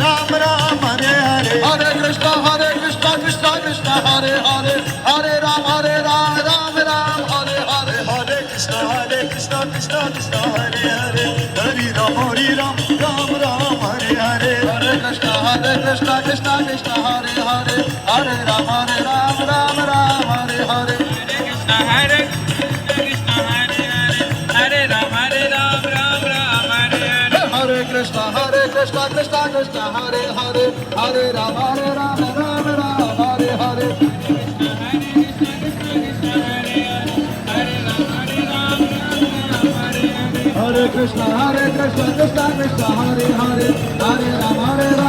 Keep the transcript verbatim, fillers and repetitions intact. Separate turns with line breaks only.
Ram Ram Hare Hare Hare Krishna Hare Krishna Krishna Krishna Hare Hare Hare Ram Hare Ram Ram Ram Hare Hare Hare Krishna Hare Krishna Krishna Krishna Hare Hare Hare Ram Hare Ram Ram Ram Hare Hare Hare Krishna Hare Krishna Krishna Krishna Hare Hare Hare Ram Hare Ram Ram Ram Hare Hare
Krishna Hare Krishna Hare Hare Hare Ram Hare Ram Ram Ram Hare Hare
Hare Krishna Hare Krishna Krishna Krishna Hare Hare Hare Ram Hare Ram Ram Ram Hare Hare Hare Krishna Hare Krishna Krishna Krishna Hare Hare Hare Ram Hare Ram